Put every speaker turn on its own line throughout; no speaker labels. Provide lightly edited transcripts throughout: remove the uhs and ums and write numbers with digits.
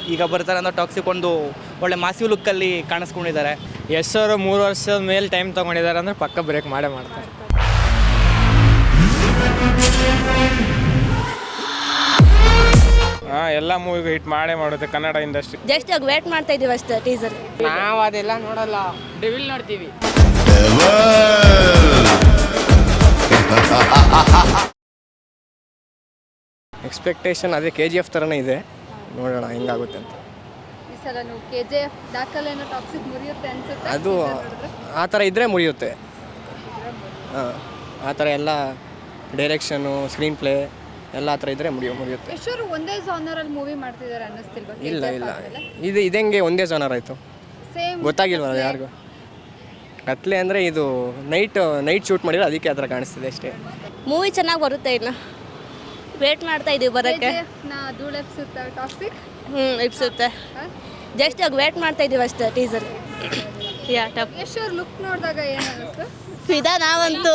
ಈಗ ಬರ್ತಾರೆ ಅನ್ನೋ ಟಾಕ್ಸಿಕ್ ಒಂದು ಒಳ್ಳೆ ಮಾಸಿವ್ ಲುಕ್ಕಲ್ಲಿ ಕಾಣಿಸ್ಕೊಂಡಿದ್ದಾರೆ.
ಯಶ್ ಅವರು 3 ವರ್ಷದ ಮೇಲೆ ಟೈಮ್ ತೊಗೊಂಡಿದ್ದಾರೆ ಅಂದರೆ ಪಕ್ಕ ಬ್ರೇಕ್ ಮಾಡೇ ಮಾಡ್ತಾರೆ.
ಎಲ್ಲ ಮೂವಿಗೂ ಹಿಟ್ ಮಾಡೇ ಮಾಡುತ್ತೆ ಕನ್ನಡ ಇಂಡಸ್ಟ್ರಿ.
ಜಸ್ಟ್ ಆಗಿ ವೇಟ್ ಮಾಡ್ತಾ ಇದೀವಿ ಅಷ್ಟೇ ಟೀಸರ್.
ನಾವು ಅದೆಲ್ಲ ನೋಡಲ್ಲ, ಡೆವಿಲ್ ನೋಡ್ತೀವಿ. ಎಕ್ಸ್ಪೆಕ್ಟೇಷನ್ ಅದೇ KGF ಥರನೇ ಇದೆ, ನೋಡೋಣ ಹೆಂಗಾಗುತ್ತೆ ಅಂತ.
ಈ ಸಲ KGF ದಾಖಲೆನ ಟಾಕ್ಸಿಕ್ ಮುರಿಯುತ್ತೆ ಅನ್ಸುತ್ತೆ.
ಅದು ಆ ಥರ ಇದ್ದರೆ ಮುರಿಯುತ್ತೆ. ಆ ಥರ ಎಲ್ಲ ಡೈರೆಕ್ಷನು, ಸ್ಕ್ರೀನ್ ಪ್ಲೇ ಎಲ್ಲ ಆ ಥರ ಇದ್ದರೆ ಮುರಿಯುತ್ತೆ.
ಎಷ್ಟರು ಒಂದೇ ಜಾನರಲ್ಲಿ ಮೂವಿ ಮಾಡ್ತಿದ್ದಾರೆ ಅನ್ನಿಸ್ತಿಲ್ವಾ?
ಇಲ್ಲ ಇದಂಗೆ ಒಂದೇ ಜಾನರ್ ಆಯಿತು,
ಸೇಮ್
ಗೊತ್ತಾಗಿಲ್ವಲ್ಲ ಯಾರಿಗೂ. ಕತ್ಲೆ ಅಂದರೆ ಇದು ನೈಟ್ ಶೂಟ್ ಮಾಡಿದ್ರೆ ಅದಕ್ಕೆ ಆ ಥರ ಕಾಣಿಸ್ತಿದೆ ಅಷ್ಟೇ.
ಮೂವಿ ಚೆನ್ನಾಗಿ ಬರುತ್ತೆ, ಇನ್ನು ವೇಟ್ ಮಾಡ್ತಾ ಇದೀವಿ ಬರೋಕ್ಕೆ.
ಧೂಳೆಪ್ಸುತ್ತೆ ಟಾಕ್ಸಿಕ್.
ಇಪ್ಸುತ್ತೆ, ಜಸ್ಟ್ ಆಗಿ ವೇಟ್ ಮಾಡ್ತಾ ಇದೀವಿ ಅಷ್ಟೇ ಟೀಸರ್.
ಎಷ್ಟರು ಲುಕ್ ನೋಡಿದಾಗ ಏನು ಅನ್ನಿಸ್ತು?
ಫಿದಾ ನಾವಂತೂ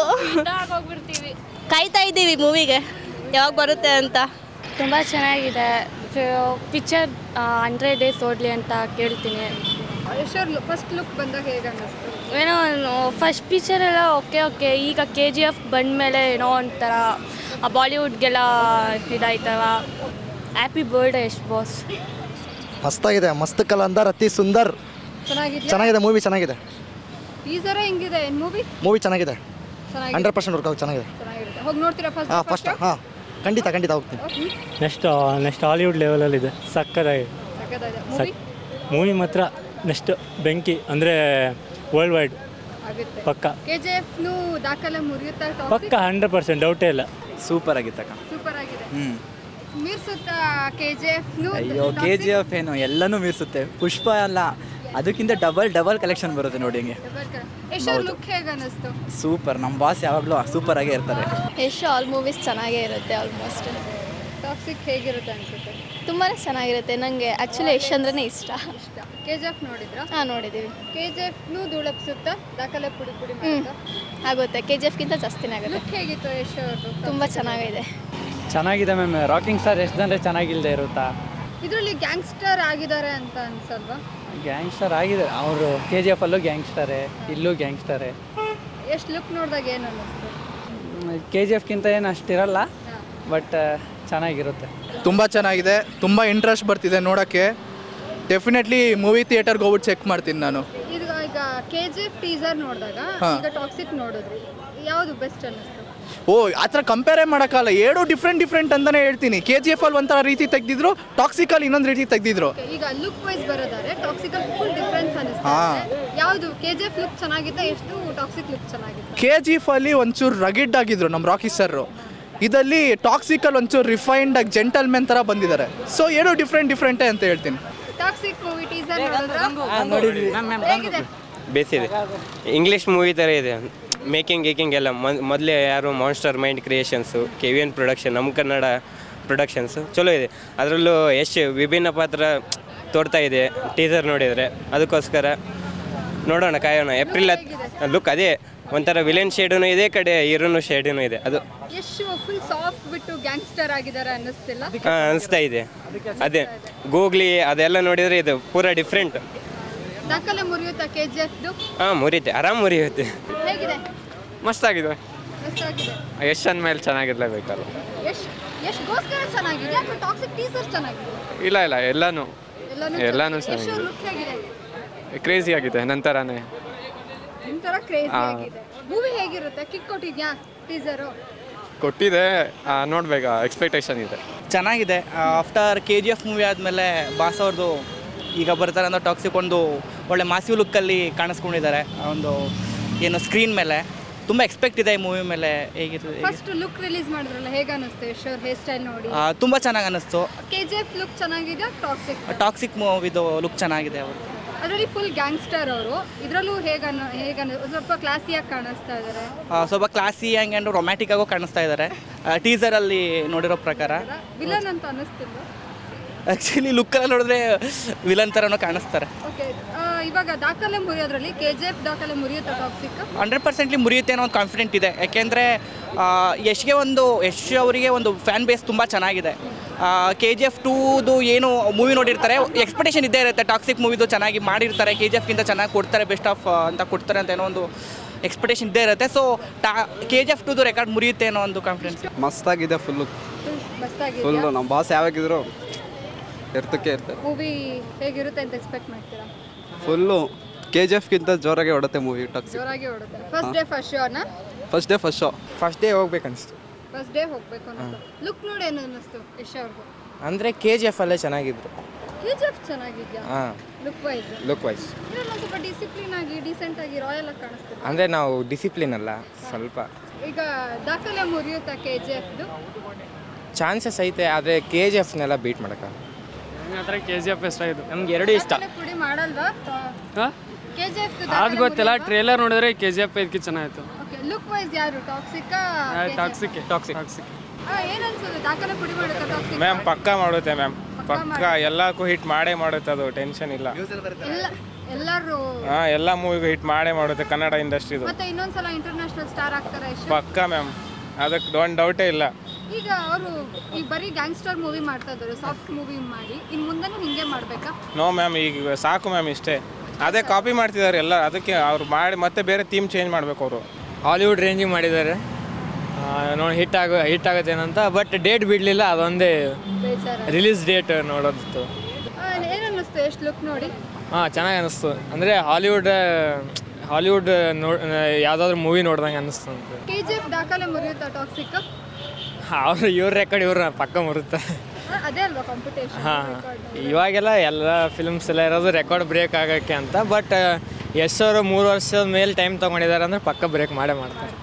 ಕಾಯ್ತಾ ಇದ್ದೀವಿ ಮೂವಿಗೆ ಯಾವಾಗ ಬರುತ್ತೆ ಅಂತ.
ತುಂಬ ಚೆನ್ನಾಗಿದೆ ಪಿಕ್ಚರ್. 100 days ಓಡಲಿ ಅಂತ ಕೇಳ್ತೀನಿ.
ಎಷ್ಟರು ಫಸ್ಟ್ ಲುಕ್ ಬಂದಾಗ ಹೇಗೆ ಅನ್ನಿಸ್ತು?
ಏನೋ ಫಸ್ಟ್ ಪಿಕ್ಚರ್ ಎಲ್ಲ ಓಕೆ. ಈಗ KGF ಬಂದಮೇಲೆ ಏನೋ ಒಂಥರ ಬಾಲಿವುಡ್ಗೆಲ್ಲ ಇದಾಯ್ತವ. Happy birthday Yash boss.
ಮಸ್ತಾಗಿದೆ, ಮಸ್ತ್ ಕಲಂದರ್ ಅತಿ ಸುಂದರ್. ಚೆನ್ನಾಗಿದೆ ಮೂವಿ, ಚೆನ್ನಾಗಿದೆ.
ಟೀಸರ್ ಹೆಂಗಿದೆ?
ಮೂವಿ ಚೆನ್ನಾಗಿದೆ, 100% ವರ್ಕ್ ಆಗುತ್ತೆ, ಚೆನ್ನಾಗಿದೆ.
ಹೋಗಿ ನೋಡ್ತೀರಾ ಫಸ್ಟ್?
ಹಾಂ ಖಂಡಿತ ಹೋಗ್ತೀನಿ.
ನೆಕ್ಸ್ಟ್ ಹಾಲಿವುಡ್ ಲೆವೆಲಲ್ಲಿದೆ, ಸಕ್ಕತ್ತಾಗಿದೆ ಮೂವಿ ಮಾತ್ರ. ನೆಕ್ಸ್ಟ್ ಬೆಂಕಿ ಅಂದರೆ ವರ್ಲ್ಡ್ ವೈಡ್ ಪಕ್ಕ.
KGF ದಾಖಲೆ ಮುರಿಯುತ್ತಾ
ಪಕ್ಕ 100% ಡೌಟೇ ಇಲ್ಲ.
ಸೂಪರ್ ಆಗಿತ್ತಕ್ಕ.
ಸೂಪರ್ ಆಗಿದೆ. ಮೀರ್ಸುತ್ತಾ KGF?
ಅಯ್ಯೋ KGF ಏನು ಎಲ್ಲನೂ ಮೀರ್ಸುತ್ತೆ. ಪುಷ್ಪ ಅಲ್ಲ, ಅದಕ್ಕಿಂತ ಡಬಲ್ ಕಲೆಕ್ಷನ್ ಬರುತ್ತೆ ನೋಡಿ. ಹಿಂಗೆ
ಎಷ್ಟು ಲುಕ್ ಹೇಗೆ ಅನ್ನಿಸ್ತು?
ಸೂಪರ್. ನಮ್ಮ ಬಾಸ್ ಯಾವಾಗಲೂ ಸೂಪರ್ ಆಗೇ ಇರ್ತಾರೆ.
ಯಶ್ ಆಲ್ ಮೂವೀಸ್ ಚೆನ್ನಾಗೇ ಇರುತ್ತೆ ಆಲ್ಮೋಸ್ಟ್.
ಟಾಕ್ಸಿಕ್ ಹೇಗಿರುತ್ತೆ ಅನ್ಸುತ್ತೆ?
ತುಂಬಾ ಚೆನ್ನಾಗಿರುತ್ತೆ. ನನಗೆ ಆ್ಯಕ್ಚುಲಿ ಯಶ್ ಅಂದ್ರೇ ಇಷ್ಟ.
KGF ನೋಡಿದ್ರಾ?
ಹಾಂ ನೋಡಿದ್ದೀವಿ.
KGF ಧೂಳೆಪ್ಸುತ್ತಾ ದಾಖಲೆ ಪುಡಿ ಮಾಡುತ್ತಾ?
ಆಗುತ್ತೆ, KGFಗಿಂತ ಜಾಸ್ತಿನೇ ಆಗುತ್ತೆ.
ಲುಕ್ ಹೇಗಿತ್ತು ಯಶ್ ಅವ್ರದ್ದು?
ತುಂಬ
ಚೆನ್ನಾಗಿದೆ ಮ್ಯಾಮ್. ರಾಕಿಂಗ್ ಸ್ಟಾರ್ ಎಷ್ಟು ಜನರೇ ಚೆನ್ನಾಗಿಲ್ಲದೆ ಇರುತ್ತಾ?
ಇದರಲ್ಲಿ ಗ್ಯಾಂಗ್ಸ್ಟರ್ ಆಗಿದ್ದಾರೆ ಅಂತ ಅನ್ಸಲ್ವಾ?
ಗ್ಯಾಂಗ್ಸ್ಟರ್ ಆಗಿದೆ ಅವರು. KGF ಅಲ್ಲೂ ಗ್ಯಾಂಗ್ಸ್ಟರೇ, ಇಲ್ಲೂ ಗ್ಯಾಂಗ್ಸ್ಟರೇ.
ಎಷ್ಟು ಲುಕ್ ನೋಡಿದಾಗ ಏನು ಅನ್ನಿಸ್ತು?
KGFಗಿಂತ ಏನು ಅಷ್ಟಿರಲ್ಲ, ಬಟ್ ಚೆನ್ನಾಗಿರುತ್ತೆ.
ತುಂಬ ಚೆನ್ನಾಗಿದೆ, ತುಂಬ ಇಂಟ್ರೆಸ್ಟ್ ಬರ್ತಿದೆ ನೋಡೋಕ್ಕೆ. ಡೆಫಿನೆಟ್ಲಿ ಮೂವಿ ಥಿಯೇಟರ್ಗೆ ಹೋಗ್ಬಿಟ್ಟು ಚೆಕ್ ಮಾಡ್ತೀನಿ ನಾನು.
ಈಗ KGF ಟೀಸರ್ ನೋಡಿದಾಗ ಈಗ ಟಾಕ್ಸಿಕ್ ನೋಡಿದ್ರಿ, ಯಾವುದು ಬೆಸ್ಟ್ ಅನ್ನಿಸ್ತು?
ಆ ಥರ ಕಂಪೇರೇ ಮಾಡೋಕ್ಕಲ್ಲ, ಎರಡು ಡಿಫ್ರೆಂಟ್ ಅಂತಲೇ ಹೇಳ್ತೀನಿ. KGF ಅಲ್ಲಿ ಒಂಥರ ರೀತಿ ತೆಗೆದಿದ್ರು, ಟಾಕ್ಸಿಕಲ್ಲಿ ಇನ್ನೊಂದು ರೀತಿ ತೆಗೆದಿದ್ರು.
ಈಗ ಲುಕ್ ವೈಸ್ ಬರೋದಾದ್ರೆ ಟಾಕ್ಸಿಕಲ್ ಫುಲ್ ಡಿಫ್ರೆನ್ಸ್ ಅನ್ನಿಸ್ತಾ ಇದೆ. ಯಾವುದು KGF ಲುಕ್ ಚೆನ್ನಾಗಿತ್ತಾ, ಎಷ್ಟು ಟಾಕ್ಸಿಕ್ ಲುಕ್ ಚೆನ್ನಾಗಿತ್ತು?
KGF ಅಲ್ಲಿ ಒಂಚೂರು ರಗಿಡ್ ಆಗಿದ್ರು ನಮ್ಮ ರಾಕಿ ಸರ್. ಇದರಲ್ಲಿ ಟಾಕ್ಸಿಕಲ್ ಒಂಚೂರು ರಿಫೈನ್ಡ್ ಆಗಿ ಜೆಂಟಲ್ಮೆನ್ ಥರ ಬಂದಿದ್ದಾರೆ. ಸೊ ಎರಡು ಡಿಫ್ರೆಂಟೇ ಅಂತ ಹೇಳ್ತೀನಿ.
ಟಾಕ್ಸಿಕ್ ಮೂವಿ ಟೀಸರ್ ನೋಡಿದ್ರೆ
ಬೇಸಿದೆ. ಇಂಗ್ಲೀಷ್ ಮೂವಿ ಥರ ಇದೆ. ಮೇಕಿಂಗ್ ಎಲ್ಲ ಮೊದಲೇ ಯಾರು monster mind creations, KVN production, ನಮ್ಮ ಕನ್ನಡ ಪ್ರೊಡಕ್ಷನ್ಸು ಚಲೋ ಇದೆ. ಅದರಲ್ಲೂ ಎಷ್ಟು ವಿಭಿನ್ನ ಪಾತ್ರ ತೋರ್ತಾ ಇದೆ ಟೀಸರ್ ನೋಡಿದರೆ. ಅದಕ್ಕೋಸ್ಕರ ನೋಡೋಣ, ಕಾಯೋಣ. ಏಪ್ರಿಲ್ ಲುಕ್ ಅದೇ ಒಂಥರ ವಿಲನ್ ಶೇಡೂ ಇದೆ, ಕಡೆ ಹೀರೋನು ಶೇಡೂ ಇದೆ. ಅದು
ಎಷ್ಟು ಫುಲ್ ಸಾಫ್ಟ್ ಬಿಟ್ಟು ಗ್ಯಾಂಗ್ಸ್ಟರ್ ಆಗಿದ್ದಾರೆ ಅನ್ನಿಸ್ತಿಲ್ಲ?
ಅನಿಸ್ತಾ ಇದೆ. ಅದೇ ಗೂಗ್ಲಿ ಅದೆಲ್ಲ ನೋಡಿದರೆ ಇದು ಪೂರಾ ಡಿಫ್ರೆಂಟ್.
ದಾಖಲೆ ಮುರಿಯುತ್ತಾ KGF?
ಮುರಿಯುತ್ತೆ, ಆರಾಮ್ ಮುರಿಯುತ್ತೆ.
ಹೇಗಿದೆ?
ಮಸ್ತಾಗಿದೆ.
ಮಸ್ತಾಗಿದೆ.
ಯಶ್ ಅಂದಮೇಲೆ ಚೆನ್ನಾಗಿರ್ಲೇಬೇಕಲ್ಲ.
ಯಶ್ಗೋಸ್ಕರ ಚೆನ್ನಾಗಿದೆ ಅಥವಾ ಟಾಕ್ಸಿಕ್ ಟೀಸರ್ ಚೆನ್ನಾಗಿದೆ?
ಇಲ್ಲ ಎಲ್ಲನೂ
ಎಷ್ಟು ಲುಕ್ ಹೇಗಿದೆ?
ಕ್ರೇಜಿ ಆಗಿದೆ. ನಂತರನೇ
ಒಂಥರ ಕ್ರೇಜಿ ಆಗಿದೆ. ಮೂವಿ ಹೇಗಿರುತ್ತೆ? ಕಿಕ್ ಕೊಟ್ಟಿದ್ಯಾ ಟೀಸರು?
ಕೊಟ್ಟಿದೆ, ನೋಡ್ಬೇಕಾ, ಎಕ್ಸ್ಪೆಕ್ಟೇಷನ್ ಇದೆ.
ಚೆನ್ನಾಗಿದೆ. ಆಫ್ಟರ್ KGF ಮೂವಿ ಆದಮೇಲೆ ಬಾಸ್ ಅವ್ರದ್ದು ಈಗ ಬರ್ತಾರೆ ಅನ್ನೋ ಟಾಕ್ಸಿಕ್ ಒಂದು ಒಳ್ಳೆ ಮಾಸಿವ್ ಲುಕ್ಕಲ್ಲಿ ಕಾಣಿಸ್ಕೊಂಡಿದ್ದಾರೆ. ಒಂದು ಏನು ಸ್ಕ್ರೀನ್ ಮೇಲೆ ತುಂಬ ಎಕ್ಸ್ಪೆಕ್ಟ್ ಇದೆ ಈ ಮೂವಿ ಮೇಲೆ. ಹೇಗಿರ್ತದೆ?
ಫಸ್ಟ್ ಲುಕ್ ರಿಲೀಸ್ ಮಾಡಿದ್ರಲ್ಲ, ಹೇಗೆ ಅನ್ನಿಸ್ತು ಯಶ್ ಅವ್ರ ಹೇರ್ ಸ್ಟೈಲ್ ನೋಡಿ?
ತುಂಬ ಚೆನ್ನಾಗಿ ಅನ್ನಿಸ್ತು.
KGF ಲುಕ್ ಚೆನ್ನಾಗಿದೆ,
ಟಾಕ್ಸಿಕ್ ಮೂವಿದು ಲುಕ್ ಚೆನ್ನಾಗಿದೆ ಅವರು.
ಅದರಲ್ಲಿ ಫುಲ್ ಗ್ಯಾಂಗ್ಸ್ಟರ್ ಅವರು. ಇದರಲ್ಲೂ ಹೇಗೆ ಸ್ವಲ್ಪ ಕ್ಲಾಸಿಯಾಗಿ ಕಾಣಿಸ್ತಾ ಇದ್ದಾರೆ.
ಸ್ವಲ್ಪ ಕ್ಲಾಸಿ ಆ್ಯಂಡ್ ರೊಮ್ಯಾಟಿಕ್ ಆಗೋ ಕಾಣಿಸ್ತಾ ಇದ್ದಾರೆ ಟೀಸರಲ್ಲಿ ನೋಡಿರೋ ಪ್ರಕಾರ.
ವಿಲನ್ ಅಂತ ಅನ್ನಿಸ್ತಿಲ್ಲ?
ಆ್ಯಕ್ಚುಲಿ ಲುಕ್ಕಲ್ಲಿ ನೋಡಿದ್ರೆ ವಿಲನ್ ಥರನೂ ಕಾಣಿಸ್ತಾರೆ.
ಓಕೆ, ಇವಾಗ ದಾಖಲೆ ಮುರಿಯೋದ್ರಲ್ಲಿ KGF ದಾಖಲೆ ಮುರಿಯುತ್ತಾ ಟಾಕ್ಸಿಕ್?
100% ಮುರಿಯುತ್ತೆ ಅನ್ನೋ ಒಂದು ಕಾನ್ಫಿಡೆಂಟ್ ಇದೆ. ಯಾಕೆಂದರೆ ಯಶ್ ಅವರಿಗೆ ಒಂದು ಫ್ಯಾನ್ ಬೇಸ್ ತುಂಬ ಚೆನ್ನಾಗಿದೆ. KGF 2ದು ಏನು ಮೂವಿ ನೋಡಿರ್ತಾರೆ, ಎಕ್ಸ್ಪೆಕ್ಟೇಷನ್ ಇದ್ದೇ ಇರುತ್ತೆ. ಟಾಕ್ಸಿಕ್ ಮೂವಿದು ಚೆನ್ನಾಗಿ ಮಾಡಿರ್ತಾರೆ, KGFಗಿಂತ ಚೆನ್ನಾಗಿ ಕೊಡ್ತಾರೆ, ಬೆಸ್ಟ್ ಆಫ್ ಅಂತ ಕೊಡ್ತಾರೆ ಅಂತ ಏನೋ ಒಂದು ಎಕ್ಸ್ಪೆಕ್ಟೇಷನ್ ಇದ್ದೇ ಇರುತ್ತೆ. ಸೊ KGF 2ದು ರೆಕಾರ್ಡ್ ಮುರಿಯುತ್ತೆ ಅನ್ನೋ ಒಂದು ಕಾನ್ಫಿಡೆನ್ಸ್.
ಮಸ್ತಾಗಿದೆ ಫುಲ್ಲು.
ಮಸ್ತಾಗಿದೆಯಾ?
ನಮ್ಮ ಬಾಸ್ ಯಾವಾಗಿದ್ರು ಇರ್ತಕ್ಕೆ ಇರ್ತಾರೆ.
ಮೂವಿ ಹೇಗಿರುತ್ತೆ ಅಂತ ಎಕ್ಸ್ಪೆಕ್ಟ್ ಮಾಡ್ತೀರಾ?
ಫುಲ್ಲು KGFಗಿಂತ ಜೋರಾಗಿ ಹೊಡುತ್ತೆ ಮೂವಿ ಟಾಕ್ಸಿಕ್.
ಜೋರಾಗಿ ಓಡುತ್ತೆ. ಫಸ್ಟ್ ಡೇ ಫಸ್ಟ್ ಶೋನಾ?
First show.
ಫಸ್ಟ್ ಡೇ ಹೋಗ್ಬೇಕನ್ನಿಸ್ತು.
ಫಸ್ಟ್ ಡೇ ಹೋಗ್ಬೇಕು ಅನ್ನಿಸ್ತು. ಲುಕ್ ನೋಡಿ ಏನು ಅನ್ನಿಸ್ತು ಯಶ್ ಅವ್ರಿಗೂ?
ಅಂದರೆ KGF ಅಲ್ಲೇ ಚೆನ್ನಾಗಿದ್ರು.
KGF ಚೆನ್ನಾಗಿದ್ಯಾ?
ಹಾಂ,
ಲುಕ್ ವೈಸ್
ಲುಕ್ ವೈಸ್
ಇದ್ರಲ್ಲಿ ಸ್ವಲ್ಪ ಡಿಸಿಪ್ಲಿನ್ ಆಗಿ ಡೀಸೆಂಟ್ ಆಗಿ ರಾಯಲ್ ಆಗಿ ಕಾಣಿಸ್ತಿದೆ.
ಅಂದರೆ ನಾವು ಡಿಸಿಪ್ಲಿನ್ ಅಲ್ಲ ಸ್ವಲ್ಪ.
ಈಗ ದಾಖಲೆ ಮುರಿಯುತ್ತಾ KGFದು?
ಚಾನ್ಸಸ್ ಐತೆ, ಆದರೆ KGFನೆಲ್ಲ ಬೀಟ್ ಮಾಡೋಕ್ಕಾಗಲ್ಲ.
ನನ್ನ ಹತ್ರ KGF ಇಷ್ಟ ಆಯಿತು.
ನಮ್ಗೆ ಎರಡೂ ಇಷ್ಟ.
ದಾಖಲೆ ಪುಡಿ ಮಾಡಲ್ವಾ?
ಹಾಂ,
KGF
ಅದು ಗೊತ್ತಿಲ್ಲ. ಟ್ರೇಲರ್ ನೋಡಿದ್ರೆ KGF ಇದಕ್ಕೆ ಚೆನ್ನಾಗಿತ್ತು.
ಓಕೆ, ಲುಕ್ ವೈಸ್ ಯಾರು ಟಾಕ್ಸಿಕ್?
ಟಾಕ್ಸಿಕ್
ಏನು ಅನ್ಸುತ್ತೆ ದಾಖಲೆ ಪುಡಿ ಮಾಡುತ್ತಾ ಟಾಕ್ಸಿಕ್?
ಮ್ಯಾಮ್ ಪಕ್ಕಾ ಮಾಡುತ್ತೆ ಮ್ಯಾಮ್, ಪಕ್ಕ ಎಲ್ಲಕ್ಕೂ ಹಿಟ್ ಮಾಡೇ ಮಾಡುತ್ತೆ, ಅದು ಟೆನ್ಷನ್ ಇಲ್ಲ.
ಎಲ್ಲರೂ
ಎಲ್ಲ ಮೂವಿಗೂ ಹಿಟ್ ಮಾಡೇ ಮಾಡುತ್ತೆ ಕನ್ನಡ ಇಂಡಸ್ಟ್ರಿದು.
ಮತ್ತೆ ಇನ್ನೊಂದ್ಸಲ ಇಂಟರ್ನ್ಯಾಷನಲ್ ಸ್ಟಾರ್ ಆಗ್ತಾರೆ ಯಶ್?
ಪಕ್ಕಾ ಮ್ಯಾಮ್, ಅದಕ್ಕೆ ಒಂದು ಡೌಟೇ ಇಲ್ಲ.
ಈಗ ಅವರು ಈಗ ಬರೀ ಗ್ಯಾಂಗ್ಸ್ಟರ್ ಮೂವಿ ಮಾಡ್ತಾ ಇದ್ದಾರೆ, ಸಾಫ್ಟ್ ಮೂವಿ ಮಾಡಿ ಇನ್ನು ಮುಂದೆನೂ ಹಿಂಗೆ ಮಾಡಬೇಕಾ?
ನೋ ಮ್ಯಾಮ್, ಈಗ ಸಾಕು ಮ್ಯಾಮ್, ಇಷ್ಟೇ. ಅದೇ ಕಾಪಿ ಮಾಡ್ತಿದ್ದಾರೆ ಎಲ್ಲ, ಅದಕ್ಕೆ ಅವ್ರು ಮಾಡಿ ಮತ್ತೆ ಬೇರೆ ಥೀಮ್ ಚೇಂಜ್ ಮಾಡಬೇಕು ಅವರು.
ಹಾಲಿವುಡ್ ರೇಂಜಿಗೆ ಮಾಡಿದ್ದಾರೆ, ನೋಡಿ ಹಿಟ್ ಆಗುತ್ತೇನಂತ. ಬಟ್ ಡೇಟ್ ಬಿಡಲಿಲ್ಲ, ಅದೊಂದೇ
ಬೇಜಾರ.
ರಿಲೀಸ್ ಡೇಟ್ ನೋಡೋದಿತ್ತು.
ಏನು ಅನ್ನಿಸ್ತು ಎಷ್ಟು ಲುಕ್ ನೋಡಿ?
ಹಾಂ, ಚೆನ್ನಾಗಿ ಅನ್ನಿಸ್ತು. ಅಂದರೆ ಹಾಲಿವುಡ್ ಯಾವುದಾದ್ರೂ ಮೂವಿ ನೋಡ್ದಂಗೆ ಅನ್ನಿಸ್ತು ಅಂತ.
KGF ದಾಖಲೆ ಮುರಿಯುತ್ತಾ ಟಾಕ್ಸಿಕ್?
ಇವ್ರ ರೆಕಾರ್ಡ್ ಇವ್ರ ಪಕ್ಕ ಮುರುತ್ತೆ.
ಅದೇ ಅಲ್ವಾ ಕಾಂಪಿಟೇಷನ್?
ಹಾಂ, ಇವಾಗೆಲ್ಲ ಎಲ್ಲ ಫಿಲ್ಮ್ಸ್ ಎಲ್ಲ ಇರೋದು ರೆಕಾರ್ಡ್ ಬ್ರೇಕ್ ಆಗೋಕ್ಕೆ ಅಂತ. ಬಟ್ ಯಶ್ ಅವರು 3 ವರ್ಷದ ಮೇಲೆ ಟೈಮ್ ತೊಗೊಂಡಿದ್ದಾರೆ ಅಂದರೆ ಪಕ್ಕ ಬ್ರೇಕ್ ಮಾಡೇ ಮಾಡ್ತಾರೆ.